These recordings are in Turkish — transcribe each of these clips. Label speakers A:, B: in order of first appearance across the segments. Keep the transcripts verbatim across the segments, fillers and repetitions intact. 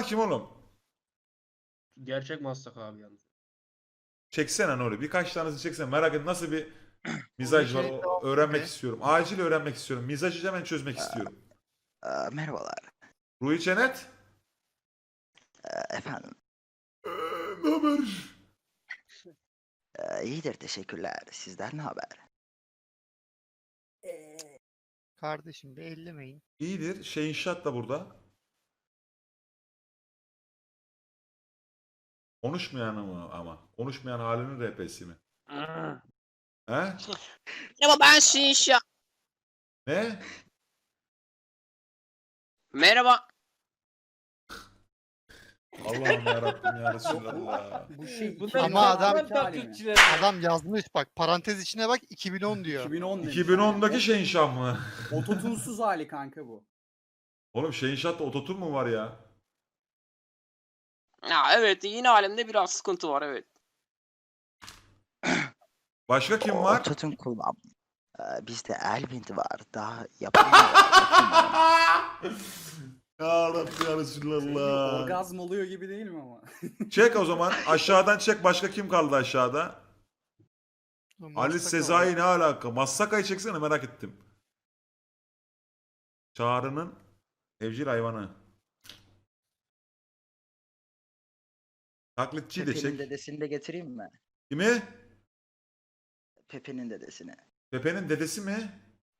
A: Bunlar kim oğlum?
B: Gerçek Maslak abi yalnız.
A: Çeksene Nuri. Birkaç tanesi çeksene. Merak et nasıl bir mizaj var. O- öğrenmek istiyorum. Acil öğrenmek istiyorum. Mizajı hemen çözmek istiyorum.
C: Aa, merhabalar.
A: Ruhi Çenet.
C: Ee, efendim.
A: Ee, ne haber?
C: Ee, iyidir teşekkürler. Sizler ne haber?
D: Kardeşim bir ellemeyin.
A: İyidir. Şey inşaat da burada. Konuşmayan ama ama. Konuşmayan halinin R P'si mi? He?
E: Merhaba ben Şinşa.
A: Ne?
E: Merhaba.
A: Allah'ım yarabbim ya Resulallah.
F: Bu şey
D: Bunlar Ama adam-
F: taklitçiler.
D: Adam yazmış bak parantez içine bak iki bin on diyor.
F: iki bin on demiş
A: iki bin ondaki
F: yani.
A: şey inşaat mı?
F: Ototunsuz hali kanka bu.
A: Oğlum şey inşaatta ototun mu var ya?
E: Ya evet yine alemde biraz sıkıntı var evet.
A: Başka kim
C: O-
A: var?
C: Ototun kullan. Ee, bizde Elvind var. Daha yapamıyor. yapamıyor.
A: Ya Rabbi ya
F: Şey,
A: Resulallah.
F: orgazm oluyor gibi değil mi ama?
A: Çek o zaman. Aşağıdan çek. Başka kim kaldı aşağıda? Ali
D: Massaka
A: Sezai
D: var.
A: ne alaka? Massaka'yı çeksene merak ettim. Çağrı'nın evcil hayvanı. Taklitçiyi de
C: Pepe'nin
A: çek.
C: dedesini de getireyim mi?
A: Kimi?
C: Pepe'nin dedesini.
A: Pepe'nin dedesi mi?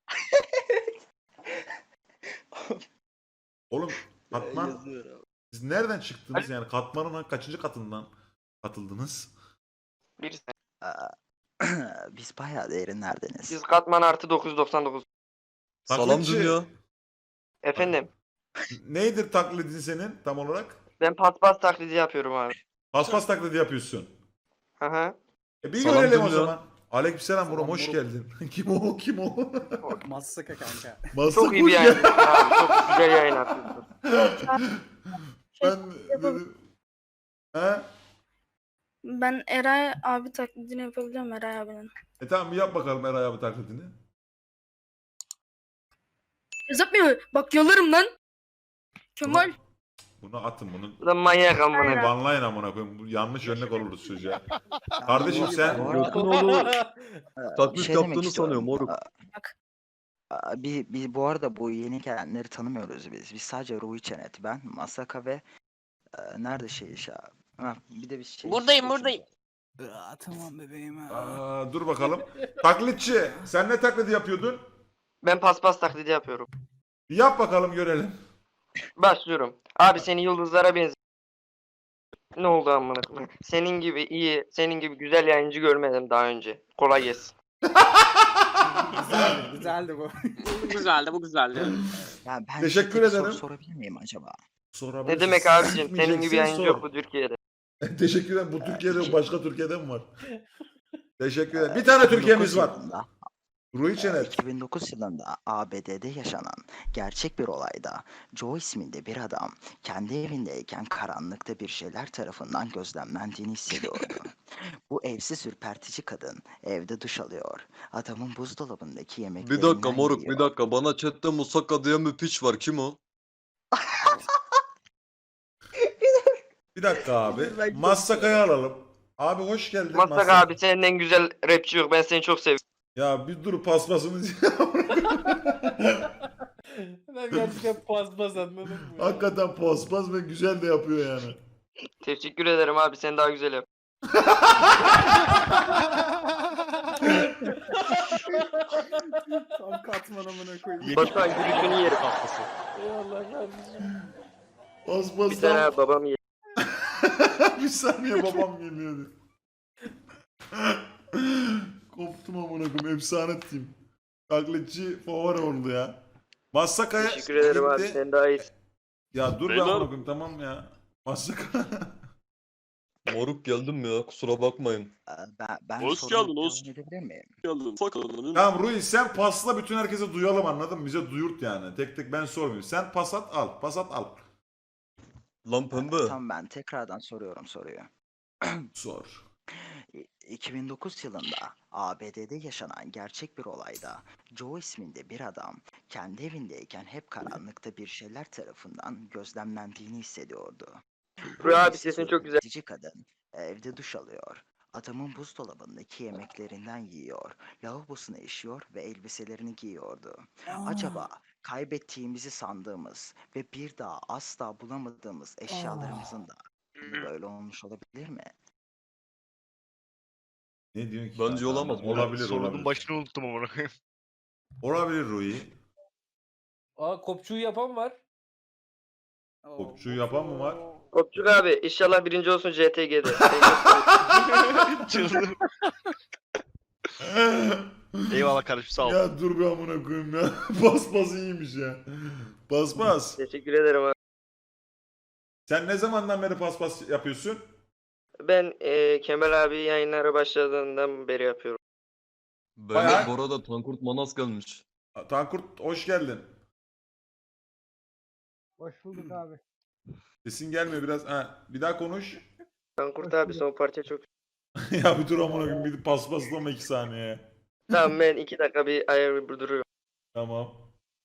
A: Oğlum Katman
C: Yazıyorum.
A: siz nereden çıktınız yani Katman'ın kaçıncı katından katıldınız?
E: Bir
C: Aa, biz bayağı derinlerdeniz.
E: Biz katman artı dokuz yüz doksan dokuz.
G: Salam
A: Taklitçi,
G: dünya.
E: Efendim
A: Neydir taklidin senin tam olarak?
E: ben paspas taklidi yapıyorum abi.
A: Paspas taklidi yapıyorsun.
E: Hı hı.
A: E bir
G: Salam
A: görelim o
G: dünya.
A: zaman. Aleykümselam Murat
F: Salam
A: hoş
F: Murat.
A: geldin. Kim o kim o?
F: Massaka kanka.
A: Massak
E: Çok iyi
A: hoş
E: bir yayın
A: geldin.
E: abi. Çok güzel yayın yapıyorsun.
A: Ben dedim. He?
H: Ben Eray abi taklidini yapabiliyorum Eray abinin.
A: E tamam bir yap bakalım Eray abi taklidini.
H: Yapmıyor. Bak yalarım lan. Kemal.
A: Bunu atın bunu.
E: Bu da manyak amına.
A: Banlayın amına koyayım. Bu yanlış örnek oluruz çocuğa. Kardeşim sen
C: Bu arada-
G: Moruk'un oğlu
C: Ee,
G: taklit
C: bir şey demek
G: yaptığını
C: istiyorum.
G: sanıyor moruk.
C: Aa, aa, bir, bir, bu arada bu yeni gelenleri tanımıyoruz biz. Biz sadece Ruhi Çenet, ben, Masaka ve e, nerede şey iş abi? Ha, bir de bir şey.
E: Buradayım
C: üçüncü.
E: buradayım.
F: Aa, tamam bebeğim ha.
A: Aa, dur bakalım. Taklitçi sen ne taklidi yapıyordun?
E: Ben paspas taklidi yapıyorum.
A: Bir yap bakalım görelim.
E: Başlıyorum. Abi seni yıldızlara benziyor. Ne oldu amına koyayım? Senin gibi iyi, senin gibi güzel yayıncı görmedim daha önce. Kolay gelsin.
F: Güzeldi, güzeldi bu.
E: Bu güzeldi, bu güzeldi.
C: Ya ben
A: Teşekkür
C: size bir soru
A: ederim.
C: sorabilir miyim acaba?
A: Sorabilirsin.
E: Ne demek abicim? Senin gibi
A: Gitmeyeceksin,
E: yayıncı
A: sor.
E: yok bu Türkiye'de.
A: Teşekkür ederim. Bu Türkiye'de başka Türkiye'de mi var? Teşekkür ederim. Bir tane Türkiye'miz var.
C: Yılında,
A: Ruhi
C: e,
A: Çenet.
C: iki bin dokuz yılında A B D'de yaşanan gerçek bir olayda Joe isminde bir adam kendi evindeyken karanlıkta bir şeyler tarafından gözlemlendiğini hissediyordu. Bu evsiz ürpertici kadın evde duş alıyor. Adamın buzdolabındaki
G: Bir
C: yemeklerinden
G: dakika moruk
C: yiyor.
G: bir dakika. Bana chatte Musaka diye bir piç var. Kim o?
A: Bir dakika abi.
C: Ben çok
A: Massaka'yı alalım. Abi hoş geldin.
E: Maslak
A: Massaka.
E: abi senden güzel rapçi yok. Ben seni çok seviyorum.
A: Ya bir dur paspasımız.
B: Ben gerçekten paspas anladım mı?
A: Hakikaten paspas ve güzel de yapıyor yani.
E: Teşekkür ederim abi. Sen daha güzel yap.
F: Tam katman amına koyayım.
E: Batuhan gülüşünü yerim.
B: Eyvallah kardeşim.
E: Bir tane
A: Paspastan
E: abi babam yer.
A: bir saniye babam geliyordu. Koptum amına koyayım. Efsane team. Taklitçi favori oldu ya. Massaka'ya
E: Teşekkür ederim abi.
A: gitti.
E: Sen daha iyisin.
A: Ya dur be
G: Beyler.
A: amına koyayım tamam ya. Massaka.
G: Moruk geldim ya kusura bakmayın.
C: Ee, Ben, ben
G: Hoş
C: soruyu
G: geldin, hoş-
C: devam edebilir miyim?
G: Geldin. Sakalını.
A: Tamam Ruhi sen pasla bütün herkese duyalım anladın mı? Bize duyurt yani. Tek tek ben sormuyorum. Sen pas at al. Pas at al.
G: Lan pembe.
C: Tamam ben tekrardan soruyorum soruyu.
A: Sor.
C: İ- iki bin dokuz yılında A B D'de yaşanan gerçek bir olayda Joe isminde bir adam kendi evindeyken hep karanlıkta bir şeyler tarafından gözlemlendiğini hissediyordu. Bu
E: Rüya abi
C: evsiz
E: sesin
C: ve
E: çok güzel.
C: üretici kadın evde duş alıyor. Adamın buzdolabındaki yemeklerinden yiyor, lavabosuna işiyor ve elbiselerini giyiyordu. Acaba kaybettiğimizi sandığımız ve bir daha asla bulamadığımız eşyalarımızın da böyle olmuş olabilir mi?
A: Ne diyorsun ki?
G: Bence
A: kanka?
G: olamaz.
A: Olabilir
I: Sorunun
A: olabilir.
I: başını unuttum amına koyayım.
A: Olabilir Rui.
B: Aa kopçuyu yapan var.
A: Topçuyu yapan mı var?
E: Kopçuk abi inşallah birinci olsun C T G'de.
I: Çıldım. Eyvallah kardeşim sağ ol.
A: Ya dur bir amına koyayım ya. Paspas iyiymiş ya. Paspas.
E: Teşekkür ederim abi.
A: Sen ne zamandan beri paspas yapıyorsun?
E: Ben e, Kemal abi yayınlara başladığından beri yapıyorum.
A: Bayağı-
G: Beyler bu arada Tankurt Manas gelmiş.
A: Tankurt hoş geldin.
J: Hoş bulduk abi.
A: Sesin gelmiyor biraz. Ha, bir daha konuş.
E: Tankurt abi son parça çok...
A: Ya bir dur amına koyayım. Bir paspaslama iki saniye.
E: Tamam ben iki dakika bir ayar bir duruyorum.
A: Tamam.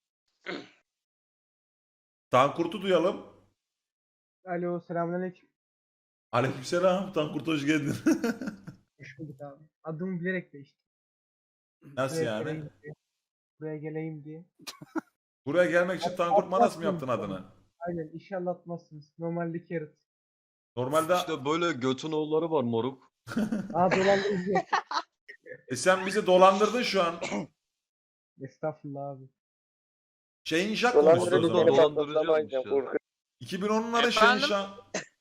A: Tankurt'u duyalım.
J: Alo, selamünaleyküm.
A: Aleykümselam. Tankurt hoş geldin.
J: Hoş bulduk abi. Adımı bilerek değiştim.
A: Nasıl
J: Buraya
A: yani?
J: geleyim diye. Buraya geleyim diye.
A: Buraya gelmek için Tankurt Manas mı yaptın adını?
J: Aynen, inşallah atmazsınız. Normalde carrot.
A: Normalde
G: İşte böyle götün oğulları var moruk.
J: Aa, dolandırıcı.
A: e sen bizi dolandırdın şu an.
J: Estağfurullah abi.
A: Şeyin Jack konuştu o
E: Dolandırıcı
A: zaman.
G: dolan-
E: beni
G: dolandırıcıymış
E: patlatlamayacağım
G: ya.
E: korkuyorum.
A: iki bin onların şeyin şan.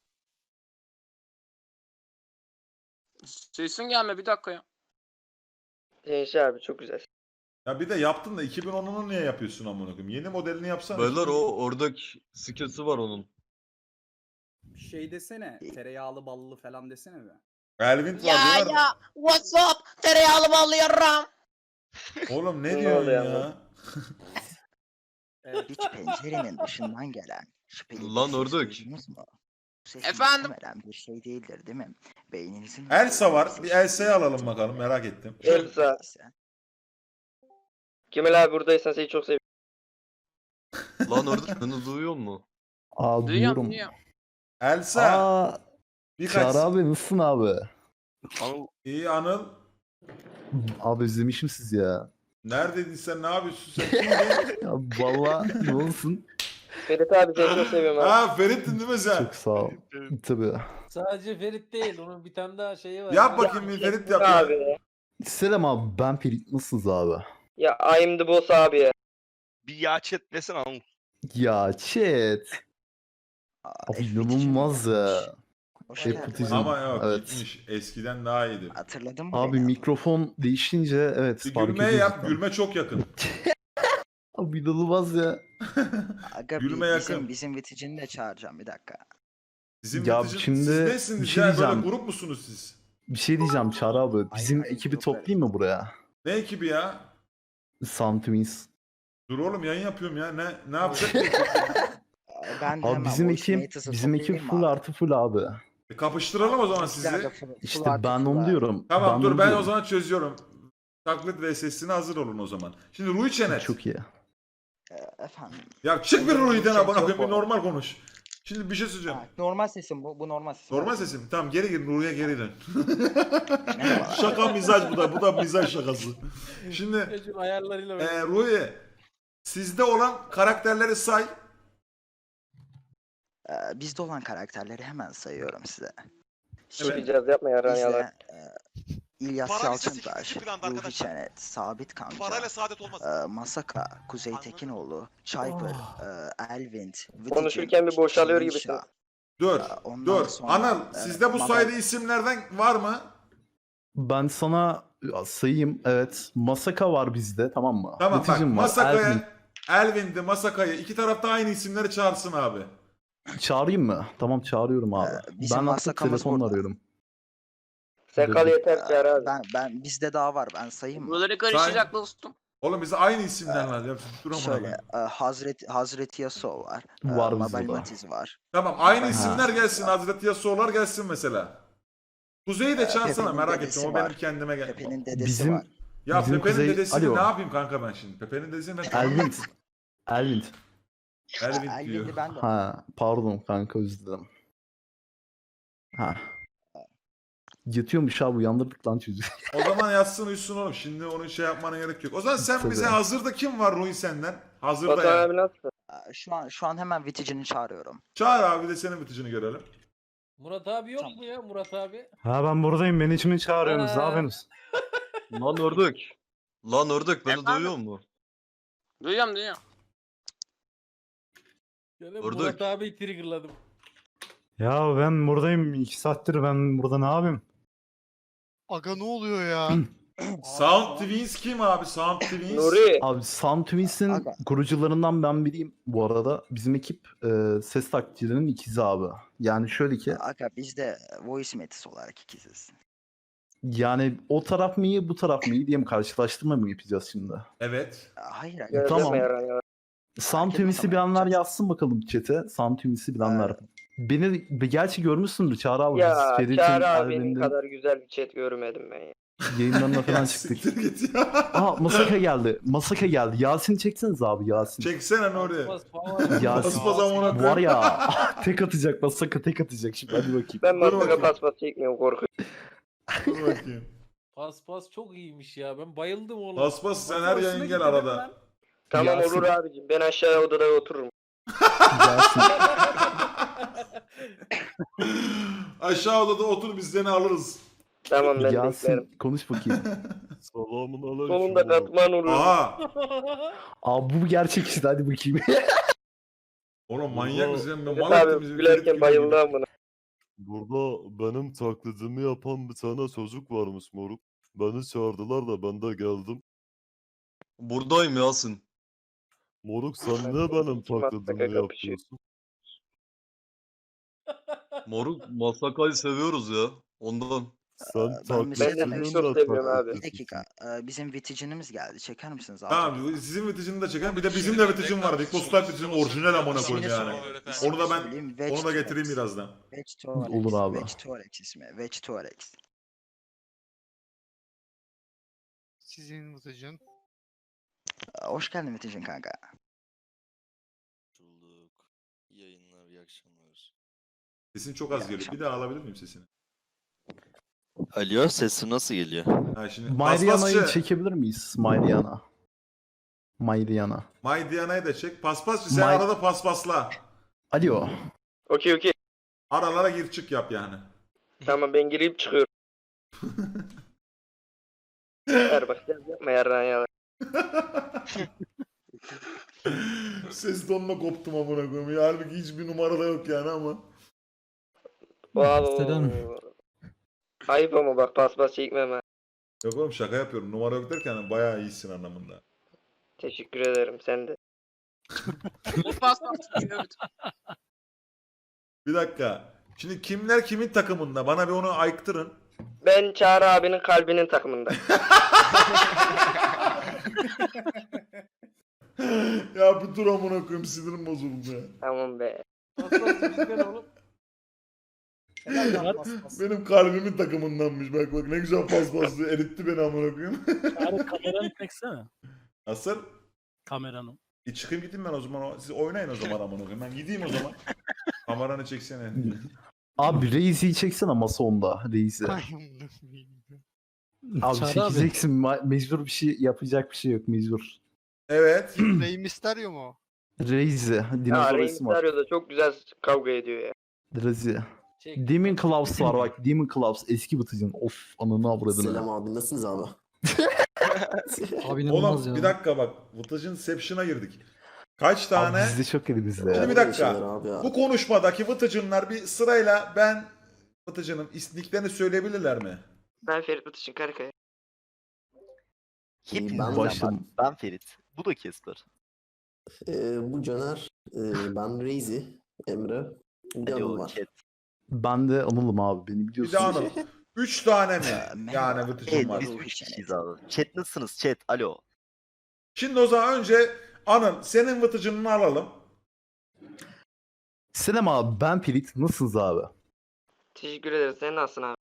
F: Sesin gelme bir dakika ya.
E: Gençler abi çok güzel.
A: Ya bir de yaptın da iki bin onunu niye yapıyorsun amına koyayım? Yeni modelini yapsana.
G: Beyler o oradaki skillsi var onun.
F: Şey desene. Tereyağlı ballı falan desene be.
A: Elvin var diyorlar.
H: What's up? Tereyağlı ballı yarram.
A: Oğlum ne
E: Ne
A: diyorsun
E: oluyor
A: ya?
E: ama?
F: Evet.
C: Hiç pencerenin dışından gelen şüpheli bir
G: Lan
C: ses
G: ördek.
C: duydunuz mu? Bu ses
F: Efendim?
C: muhtemelen bir şey değildir değil mi? Beyninizin...
A: Elsa var. Bir Elsa'yı alalım bakalım merak ettim.
E: Elsa. Kemal abi buradaysan seni çok seviyorum.
G: Lan orada beni duyuyor mu?
K: Aa,
F: Duyuyorum
K: duyuyorum.
F: duyuyorum.
A: Elsa.
K: Aa,
A: Birkaç.
K: Çağrı abi nasılsın abi?
I: Anıl
A: İyi Anıl.
K: Abi özlemişim sizi ya.
A: Neredeydin sen? Ne yapıyorsun sen? Kimdin?
K: Ya valla ne olsun?
E: Ferit abi seni çok seviyorum abi.
A: Ha Ferit'tin değil mi sen?
K: Çok sağ ol. Tabii.
B: Sadece Ferit değil. Onun bir tane daha şeyi var.
A: Yap bakayım bir Ferit yap ya.
E: Abi.
K: Selam abi, ben Ferit, nasılsınız abi?
E: Ya I'm the boss abi ya.
I: bir ya chat desene Anıl.
K: Ya chat. Abi inanılmaz ya.
C: Hoş
K: Şey,
C: geldin.
K: Putizm.
A: Ama yok
K: Evet.
A: gitmiş. Eskiden daha iyiydi.
C: Hatırladın mı
K: Abi
C: beni?
K: mikrofon değişince evet
A: Bir
K: fark
A: gülmeye
K: ediyoruz
A: yap.
K: ben.
A: Gülme çok yakın.
K: Abi inanılmaz ya.
C: Aga,
A: Gülme
C: bi-
A: yakın.
C: bizim, bizim viticini de çağıracağım bir dakika.
A: Sizin
K: Ya
A: neticin-
K: şimdi
A: siz
K: bir
A: nesiniz
K: şey
A: ya? Böyle
K: diyeceğim.
A: grup musunuz siz?
K: Bir şey diyeceğim Çağrı abi. Bizim
F: hayır,
K: ekibi
F: yok
K: toplayayım mı buraya?
A: Ne ekibi ya?
K: Sound Twins.
A: Dur oğlum yayın yapıyorum ya. Ne ne yapacak ki?
C: Ee, Ben de
K: Abi
C: hemen
K: bizim
C: Voice
K: ekip
C: Maters'ı
K: bizim ekip
C: toplayayım
K: full
C: mı?
K: artı full abi.
A: E, kapıştıralım o zaman sizi.
C: Bizler de full- full
K: İşte
C: artı
K: ben
C: full
K: onu
C: abi.
K: diyorum.
A: Tamam
K: ben
A: dur
K: onu
A: ben o
K: diyorum.
A: zaman çözüyorum. Taklit ve sesine hazır olun o zaman. Şimdi Rui Çenet.
K: Çok iyi.
C: Ee, Efendim.
A: Ya çık bir Rui'den
C: Çok
A: abone koyayım bir
C: çok
A: normal konuş. Şimdi bir şey söyleyeceğim.
C: Ha, normal sesim bu. Bu normal sesim.
A: Normal sesim. Tamam geri gir Rui'ye geri dön.
C: Merhabalar.
A: Şaka mizaj bu da. Bu da mizaj şakası. Şimdi
B: Çocuğun ayarlarıyla böyle.
A: e, Rui sizde olan karakterleri say.
C: Ee, bizde olan karakterleri hemen sayıyorum size.
E: Çıkacağız yapma yaran yalan.
C: Bizde e, İlyas
G: Parayla
C: Yalçıntaş,
G: siktir planda
C: Ruhi
G: arkadaşlar.
C: Çenet, Sabit Kanca,
G: Parayla saadet olmaz.
C: e, Masaka, Kuzey
G: Anladım.
C: Tekinoğlu, Çaypır, e, Elvind, Vıtıcın,
E: Konuşurken bir boşalıyor
C: Şirinşah.
E: gibisin.
A: Dur.
C: Ee, ondan
A: Dur.
C: sonra,
A: Anıl
C: e,
A: sizde bu
C: Mabel-
A: sayıda isimlerden var mı?
K: Ben sana ya, sayayım. Evet. Masaka var bizde, tamam mı?
A: Tamam bak
K: Vıtıcın var, Elvin.
A: Masaka'ya, Elvin'de Masaka'yı iki tarafta aynı isimleri çağırsın abi.
K: Çağırayım mı? Tamam çağırıyorum abi.
C: Ee, bizim
K: ben artık
C: Masaka'mız
K: telefonla
C: burada.
K: arıyorum.
E: Sen kal yeter
C: Ee,
E: Çağrı abi.
C: Ben ben bizde daha var. Ben sayayım mı?
F: Buraları karışacak dostum.
A: Oğlum bize aynı isimden lan. Ya, dur amına
C: Şöyle,
A: koyayım.
C: e, Hazreti Hazreti Yasuo var. e,
K: Var bizde
C: Mabel
K: de.
C: Matiz var.
A: Tamam aynı
C: Ha.
A: isimler gelsin. Hazreti Yasuo'lar gelsin mesela. Kuzey'i de
C: Ee,
A: çağırsana
C: Pepe'nin
A: merak
C: dedesi
A: ettim. O
C: var.
A: benim kendime gel.
C: Pepe'nin dedesi
K: Bizim
C: var.
A: Ya
K: bizim
A: Pepe'nin
K: Kuzey-
A: dedesini
K: Alo.
A: ne yapayım kanka ben şimdi? Pepe'nin dedesini ben
K: Elvin. Elvin.
A: Elvin diyor.
C: Elvin'i ben de
K: Ha, pardon kanka, özür dilerim. Ha. Yatıyormuş abi, uyandırdık lan çocuğu.
A: O zaman yatsın uyusun oğlum. Şimdi onun şey yapmana gerek yok. O zaman sen
K: Tabii.
A: bize hazırda kim var Ruhi senden? Hazırda
E: Batuhan
A: yani.
E: abi nasılsın?
C: Aa, şu an şu an hemen Viticini çağırıyorum.
A: Çağır abi de senin biticini görelim.
B: Murat abi yok
C: Tamam.
B: mu ya Murat abi?
K: Ha, ben buradayım. Beni için
B: çağırıyorsunuz, ne yapıyorsunuz?
G: Lan ördük. Lan ördük beni duyuyor mu?
E: Duyuyorum duyuyorum.
B: Yani
G: Vurduk.
B: Murat abi triggerladım.
K: Ya ben buradayım. iki saattir ben burada ne yapayım?
D: Aga ne oluyor ya?
A: Sound Twins kim abi? Sound Twins.
E: Nuri.
K: Abi Sound Twins'in
C: Aga.
K: kurucularından ben biriyim bu arada. Bizim ekip e, ses taklitçilerinin ikizi abi. Yani şöyle ki,
C: Aga biz de Voice Metis olarak ikiziz.
K: yani o taraf mı iyi bu taraf mı iyi diye mi karşılaştırma mı yapacağız şimdi?
A: Evet.
C: Aa, Hayır aga.
E: Gözleme
K: Tamam.
E: yaran ya.
K: Sound
C: etmez
K: Twins'i
C: ama
K: bilenler
C: yapacağız.
K: yazsın bakalım chat'e. Sound Twins'i bilenler.
C: Evet.
K: Beni gerçi görmüşsündür Çağrı abi.
E: Ya
K: Biz Ferit'in
E: Çağrı abinin
K: albümünde
E: kadar güzel bir chat görmedim ben ya.
K: yayınlarına falan
A: Ya
K: çıktık.
A: siktir git ya.
K: Aa, Masaka geldi. Masaka geldi. Yasin'i çekseniz abi, Yasin.
A: Çeksene Nuri.
B: Bas falan.
K: Ya-
A: Bas bas amına
K: Var
A: koyayım.
K: ya tek atacak, Masaka tek atacak şimdi, hadi bakayım.
E: Ben
A: Dur
E: masaka
A: bakayım.
E: paspas çekmiyorum korkuyorum.
A: Dur bakayım.
B: Pas pas çok iyiymiş ya. Ben bayıldım oğlum.
A: Bas bas sen
F: Bak,
A: her
F: hoşuna
A: yayın
F: gitti
A: gel
F: değil mi
A: arada.
F: lan?
E: Tamam
K: Yasin.
E: olur abicim. Ben aşağıya odada otururum.
K: Yasin.
A: Aşağı odada otur biz seni alırız.
E: Tamam ben beklerim.
K: Yasin konuş bakayım.
G: Selamun aleyküm.
E: Sonunda katman olur.
A: Aha.
K: Abi bu gerçek işte, hadi bakayım.
A: Oğlum manyak mısın? Ben
E: Evet
A: mal ettim
E: abi
A: bizi.
E: gülerken bayıldı amına.
G: Burada benim taklidimi yapan bir tane çocuk varmış moruk. Beni çağırdılar da ben de geldim. Buradayım Yasin. Moruk sen niye benim
E: Kim Masaka
G: taklidimi
E: kapışıyor?
G: yapıyorsun? Moruk Masaka'yı seviyoruz ya. Ondan. Sen
C: Ee, ben mesela-
E: Ben de seni çok seviyorum abi.
C: Bir dakika. Ee, bizim Viticinimiz geldi. Çeker misiniz abi?
A: Tamam bu- sizin viticini de çekin. Bir de bizim de viticim var. Big Boss Live viticim orijinal amına koyayım yani. Onu da ben onu da getireyim birazdan.
K: Olur abi.
C: Vegetorex ismi. Vegetorex.
D: Sizin Viticin.
C: Ee, Hoş geldin Viticin kanka.
G: Bulduk. İyi yayınlar, iyi akşamlar.
A: Sesin çok az geliyor. Bir daha alabilir miyim sesini?
G: Alo, sesim nasıl geliyor?
A: Ha şimdi
K: Mariana'yı
A: paspasçı.
K: çekebilir miyiz? Mariana. Mariana.
A: May Diana'yı da çek. Paspasçı sen
K: May-
A: arada paspasla.
K: Alo.
E: Okey okey.
A: Aralara gir çık yap yani.
E: Tamam ben girip çıkıyorum. Ver bak sen yapma yaran ya.
A: Ses tonuna koptum amına koyayım. Ya, halbuki hiçbir numara da yok yani ama.
E: Wow. Ayıp ama bak paspas çekmem ha.
A: Yok oğlum şaka yapıyorum. Numara yok derken bayağı iyisin anlamında.
E: Teşekkür ederim sen de.
A: Bir dakika. Şimdi kimler kimin takımında? Bana bir onu ayıktırın.
E: Ben Çağrı abinin kalbinin takımında.
A: Ya bir dur amına koyayım sinirim bozuldu ya.
E: Tamam be.
B: Pas pas bizden oğlum.
F: Helal lan bas bas.
A: Benim kalbimin takımındanmış. Bak bak ne güzel paspaslı. Eritti beni amına koyayım.
J: Abi kameranı çeksene.
A: Nasıl?
J: Kameranı.
A: E çıkayım gideyim ben o zaman. O- Siz oynayın o zaman amına koyayım. Ben gideyim o zaman. Kameranı çeksene.
K: Abi Reis'i çeksene masa onda. Reis'i.
D: Ay, amına koyayım.
K: Abi
J: Çağrı abi.
K: çekeceksin. Ma- Mecbur bir şey yapacak bir şey yok, mecbur.
A: Evet.
D: Rey Mysterio mu? o?
K: Reis'i.
E: Ya
K: Dinozor
E: Rey
K: ismi var.
E: Mysterio da çok güzel kavga ediyor ya.
K: Reis'i.
B: Çek.
K: Demon Claws var bak. Demon Claws eski Batıcın. Of ananı avradını.
J: abi nasılsınız abi?
K: Abi
A: Oğlum bir dakika bak. Vıtıcın Seption'a girdik. Kaç tane?
K: Abi bizde çok elimizde
A: Şimdi
K: ya.
A: bir dakika. Bu konuşmadaki Vıtıcınlar bir sırayla ben Vıtıcın'ın istiklerini söyleyebilirler mi?
E: Ben Ferit Batış'ın Karakaya.
K: Hepiniz başım.
G: Ben Ferit. Bu da Kesper.
J: bu Caner, ben Reizi, Emre. Bir
G: Alo chat.
K: Ben de Anıl'ım abi. Beni
A: Bir
K: biliyorsun.
A: de Anıl. Üç tane mi?
C: Ee, merhaba.
A: Yani Vıtıcın
C: Evet,
A: var.
C: biz-
G: üç kişiyiz abi. Chat nasılsınız chat? Alo.
A: Şimdi o zaman önce Anıl senin Vıtıcın'ını alalım.
K: Selam abi, ben Ferit. Nasılsınız abi?
E: Teşekkür ederiz. Sen nasılsın abi?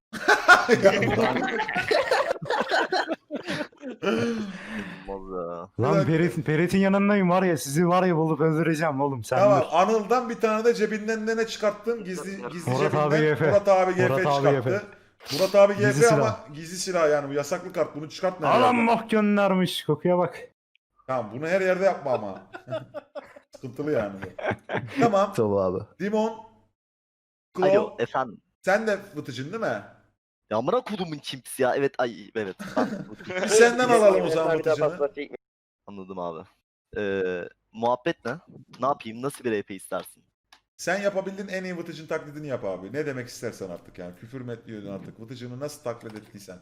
G: Olmaz ya.
A: Lan
K: Ferit, Ferit'in yanındayım var ya sizi var ya bulup öldüreceğim oğlum sen
A: Tamam, Anıl'dan bir tane de cebinden de ne çıkarttım? Gizli gizli
K: Murat
A: cebinden
K: abi G F.
A: Murat abi G F
K: Murat abi
A: çıkarttı.
K: G F.
A: Murat abi G F
K: Gizli
A: ama
K: silah.
A: gizli silah yani bu yasaklı kart. Bunu çıkart nereye?
K: Adam bak göndermiş kokuya bak.
A: Tamam, bunu her yerde yapma ama. Sıkıntılı yani bu. Tamam.
K: Tamam abi.
A: Dimon.
G: Alo
A: Claw.
G: efendim.
A: Sen de fıtıcın değil mi?
G: Ya amına kodumun çimps ya. Evet ay evet. Ben-
A: Bir senden alalım o zaman
E: Bir daha
A: fıtıcını.
E: paspas çekme.
G: Anladım abi. Ee, muhabbet ne? Ne yapayım? Nasıl bir R P istersin?
A: Sen yapabildiğin en iyi vıtıcın taklidini yap abi. Ne demek istersen artık yani. Küfür mü ediyordun artık? Vıtıcını nasıl taklit ettiysen.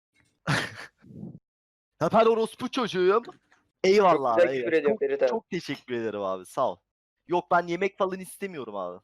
G: Ha ben orospu çocuğum. Eyvallah
E: Çok
G: abi.
E: güzel küfür
G: eyvallah.
E: ediyorum
G: Çok,
E: Ferit abi.
G: çok teşekkür ederim abi. Sağ ol. Yok ben yemek falan istemiyorum abi.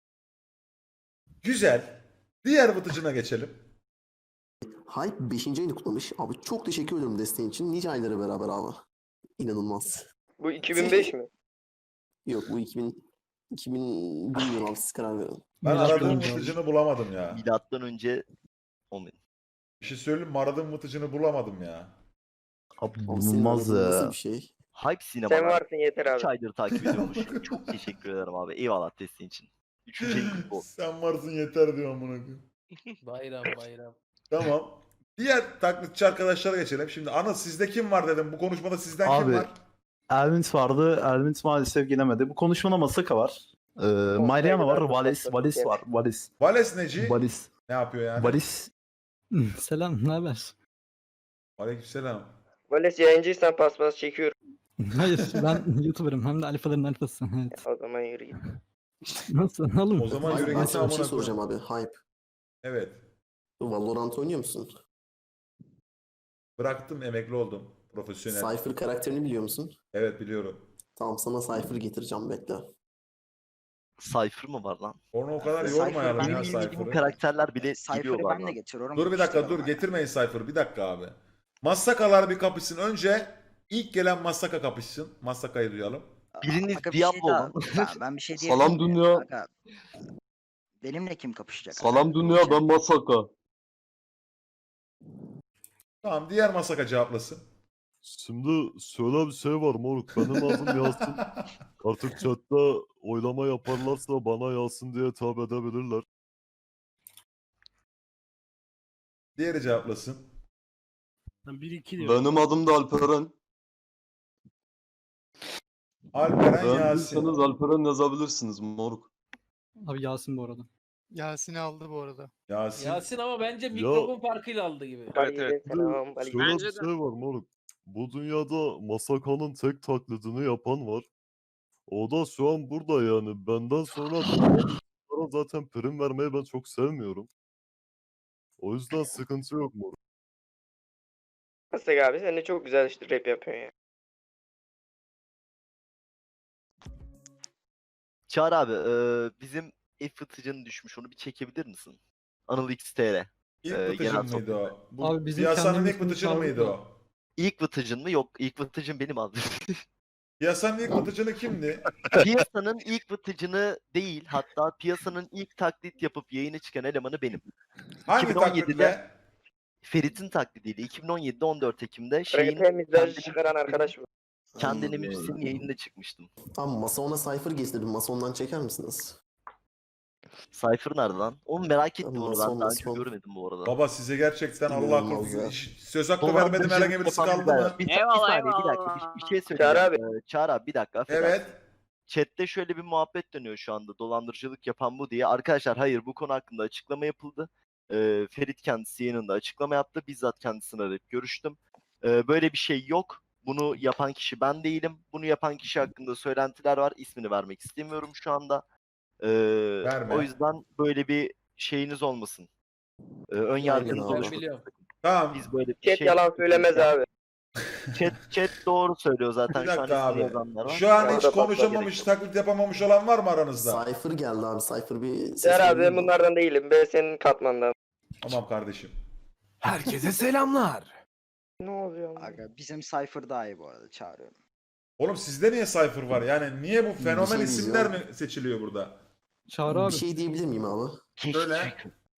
A: Güzel. Diğer vıtıcına geçelim.
J: Hype beşinci ayını kutlamış. Abi çok teşekkür ederim desteğin için. Nice aylara beraber abi. İnanılmaz.
E: Bu iki bin beş mi?
J: Yok bu iki bin iki bin bilmiyorum abi siz karar verin.
A: Ben
G: Milattan
A: aradığım
G: önce
A: vıtıcını bulamadım ya.
G: Milattan önce on
A: Bir şey söyleyeyim mi? Aradığım vıtıcını bulamadım ya.
K: Abi
J: Abi senin
K: bulunmaz
J: aradığın nasıl
K: ya.
J: bir şey?
G: Hype Sinema.
E: Sen varsın yeter
G: üç
E: abi.
G: aydır takip ediyormuş. Çok teşekkür ederim abi. Eyvallah desteğin için. Üçüncü ayın kutlu olsun.
A: Sen varsın yeter diyor amına koyayım.
B: Bayram bayram.
A: Tamam. Diğer taklitçi arkadaşlara geçelim. Şimdi Anıl sizde kim var dedim. Bu konuşmada sizden kim
K: Abi,
A: var?
K: Elvint vardı. Elvint maalesef gelemedi. Bu konuşmada Masaka var. Ee, Mariana var. Valis, Valis var. Valis.
A: Vales Neci
K: Valis.
A: ne yapıyor yani?
K: Valis.
L: Selam, ne haber?
A: Aleykümselam.
E: Vales yayıncıysan paspas çekiyorum.
L: Hayır, ben YouTuber'ım hem de alfaların alfası. Evet.
E: O zaman yürü git.
L: Nasıl oğlum?
A: O zaman
J: Hype,
A: yürü
J: ben
A: git
J: sana bir
A: amına
J: şey soracağım
A: koyayım.
J: abi. Hype.
A: Evet.
J: Valorant oynuyor musun?
A: Bıraktım, emekli oldum. Profesyonel.
J: Cypher karakterini biliyor musun?
A: Evet biliyorum.
J: Tamam sana Cypher getireceğim bekle.
G: Cypher mı var lan?
A: Onu o kadar
C: Cypher
A: yormayalım
C: ben
A: ya
G: Benim bildiğim
A: Cypher'ı.
G: karakterler bile
C: Cypher'ı
G: biliyorlar
C: ben de
G: lan.
C: getiriyorum.
A: Dur bir dakika
C: İşte
A: dur
C: bana.
A: getirmeyin Cypher'ı. Bir dakika abi. Massakalar bir kapışsın. Önce ilk gelen Massaka kapışsın. Massaka'yı duyalım.
G: Biriniz
C: Aga bir şey
G: Diablo
C: daha-
G: olun.
C: ben, ben bir şey diyebilir
G: Salam
C: miyim?
G: dünya.
C: Aga, benimle kim kapışacak?
G: Salam dünya ben Masaka.
A: Tamam, diğer Massaka cevaplasın.
G: Şimdi şöyle bir şey var moruk. Benim adım Yasin. Artık chatte oylama yaparlarsa bana Yasin diye hitap edebilirler.
A: Diğeri cevaplasın.
L: bir iki diyorum.
G: Benim adım da Alperen.
A: Alperen Yasin.
G: Alperen yazabilirsiniz moruk.
L: Abi Yasin bu arada.
D: Yasin'i aldı bu arada.
A: Yasin.
B: Yasin ama bence mikrofon farkıyla aldı gibi.
E: Evet, Selam.
G: Şöyle bir şey var moruk. Bu dünyada Masaka'nın tek taklidini yapan var. O da şu an burada yani. Benden sonra bunlara zaten prim vermeyi ben çok sevmiyorum. O yüzden sıkıntı yok moruk.
E: Nasıl abi sen de çok güzel işte rap yapıyorsun ya.
G: Çağrı abi bizim F fıtıcının düşmüş onu bir çekebilir misin? Anıl X T R.
A: İlk
G: Ee,
A: vıtıcın
G: genel
A: mıydı o? Bu
L: Abi bizim
A: piyasanın
L: kendimiz
A: ilk vıtıcını
L: bunu
A: mıydı
L: çağırdık
A: o?
G: İlk vıtıcın mı? Yok ilk vıtıcın benim abi.
A: Piyasanın ilk vıtıcını kimdi?
G: Piyasanın ilk vıtıcını değil hatta piyasanın ilk taklit yapıp yayına çıkan elemanı benim.
A: Hangi
G: iki bin on yedide
A: taklitle?
G: Ferit'in taklidiyle iki bin on yedide on dört Ekim'de şeyin
E: Rap'e mizaj
G: kendini
E: çıkaran arkadaş mı?
G: kendini
J: Hmm.
G: müzisyenin yayınına çıkmıştım.
J: Tamam Mason'a Cypher getirdim. Mason'dan çeker misiniz?
G: Cypher nerede lan? Onu merak ettim onu
J: Mason,
G: ben daha önce
J: Mason.
G: görmedim bu arada.
A: Baba size gerçekten Allah
J: İnanılmaz
A: korusun.
J: ya.
A: iş- Söz hakkı vermedim,
G: Dolandırıcılık
A: herhangi birisi
G: yapan
A: kaldı
G: bir-
A: mı?
G: Bir, bir saniye bir dakika bir, bir şey
E: Çağrı
G: söyleyeceğim.
E: abi.
G: Ee, Çağrı abi bir dakika affedersin.
A: Evet.
G: Chat'te şöyle bir muhabbet dönüyor şu anda. Dolandırıcılık yapan bu diye. Arkadaşlar hayır bu konu hakkında açıklama yapıldı. Ee, Ferit kendisi yayınında açıklama yaptı. Bizzat kendisine arayıp görüştüm. Ee, böyle bir şey yok. Bunu yapan kişi ben değilim. Bunu yapan kişi hakkında söylentiler var. İsmini vermek istemiyorum şu anda. Ee,
A: Verme.
G: o yüzden böyle bir şeyiniz olmasın. Ee, ön yargınız
J: abi.
B: Ben
G: oluşmasın.
B: biliyorum.
A: Tamam.
G: Biz böyle bir
E: Chat
G: şey...
E: yalan söylemez abi.
G: Chat, chat doğru söylüyor zaten.
A: Bir
G: şu an
A: dakika
G: ismini
A: abi.
G: yazanlar var.
A: Şu an
E: Orada
A: hiç
E: patlar
A: konuşamamış,
G: gerek
A: taklit yapamamış olan var mı aranızda?
J: Cypher geldi abi. Cypher bir ses
E: Ser abi
J: verebilir
E: ben
J: mi?
E: bunlardan değilim. Ben senin katmandan.
A: Tamam kardeşim.
L: Herkese selamlar.
E: Ne oluyor? lan?
C: Aga bizim Cypher daha iyi bu arada çağırıyorum.
A: Oğlum sizde niye Cypher var? Yani niye bu fenomen
J: şey
A: isimler
J: diyeceğim.
A: mi seçiliyor burada?
L: Çağrı
J: Bir şey diyebilir miyim abi?
A: Söyle.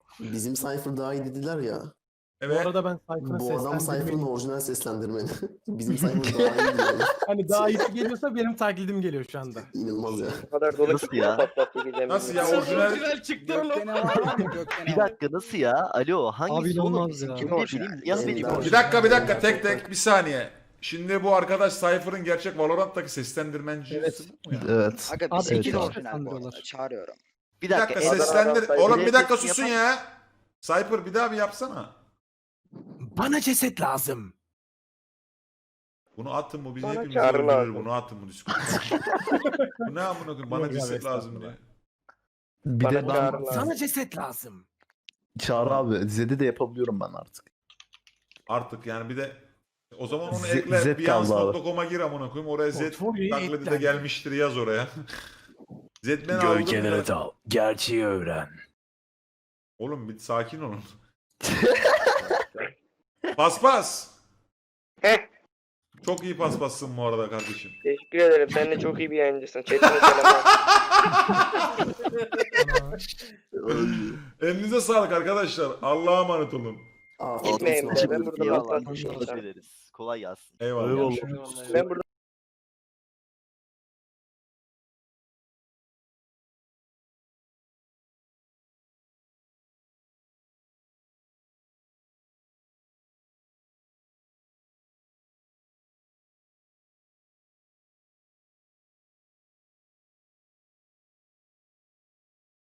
J: Bizim Cypher daha iyi dediler ya.
A: Evet.
L: ben
J: Bu adam Cypher'ın orijinal seslendirmeni. Bizim Cypher daha iyi diyor.
L: Hani daha iyisi geliyorsa benim taklidim geliyor şu anda.
J: İnanılmaz ya.
E: Bu kadar dolu
K: Nasıl ya?
E: patlattı gidemiyorum.
A: Nasıl ya
B: Sen
A: orijinal?
B: orijinal çıktı
F: Gökte
B: oğlum.
F: ne var var mı? Gökte ne
K: Bir
F: var?
K: dakika nasıl ya? Alo hangisi
L: Abi
K: oğlum?
L: inanılmaz ya.
K: Kim
C: Kim
K: ne
C: orijinal?
K: bileyim ya
J: Benim
K: benim
J: daha-
A: Bir dakika bir dakika tek tek bir saniye. Şimdi bu arkadaş Cypher'ın gerçek Valorant'taki seslendirmencisi
L: Evet.
A: bu mu ya?
K: Evet.
C: Aga
L: Abi,
C: bizimki
L: evet,
C: de
L: abi.
C: orijinal bu arada.
L: Seslendiriyorlar.
C: Çağırıyorum.
K: Bir
A: Bir dakika
K: dakika.
A: seslendir.
E: Adana-
A: Oğlum bir dakika
K: Sesini
A: susun
K: yapar-
A: ya. Cypher bir daha bir yapsana.
L: Bana ceset lazım.
A: Bunu atın bu bizi
E: Bana
A: hepimizi
E: çağrı
A: öldürür.
E: lazım.
A: Bunu atın bu Discord'a. Bu ne amına koyayım? Bana
L: Yok abi,
A: ceset lazım
L: estağfurullah.
A: diye.
K: Bir
E: Bana
K: de ben
E: çağrı lazım.
L: ceset lazım.
K: Çağrı abi Zed'i de yapabiliyorum ben artık.
A: Artık yani bir de o zaman onu
K: Z-
A: ekle.
K: Z kaldı
A: Beyonce
K: abi.
A: nokta com'a gir amına koyayım. Oraya Z
L: Portfolyoyu
A: taklidi de
L: eklendi.
A: gelmiştir yaz oraya. Z ben aldım.
L: dal. Gerçeği öğren.
A: Oğlum bir sakin olun. Paspas.
E: Heh.
A: Çok iyi paspassın bu arada kardeşim.
E: Teşekkür ederim. Sen de çok iyi bir yayıncısın. Chat'ine selamlar.
A: Elinize sağlık arkadaşlar. Allah'a emanet olun.
J: Afiyet
E: Gitmeyin
J: olsun.
E: be. Ben burada
K: Eyvallah.
E: patlatmışım.
K: Teşekkür ederiz. Kolay gelsin.
A: Eyvallah.
G: Eyvallah.
B: Eyvallah.
E: Ben burada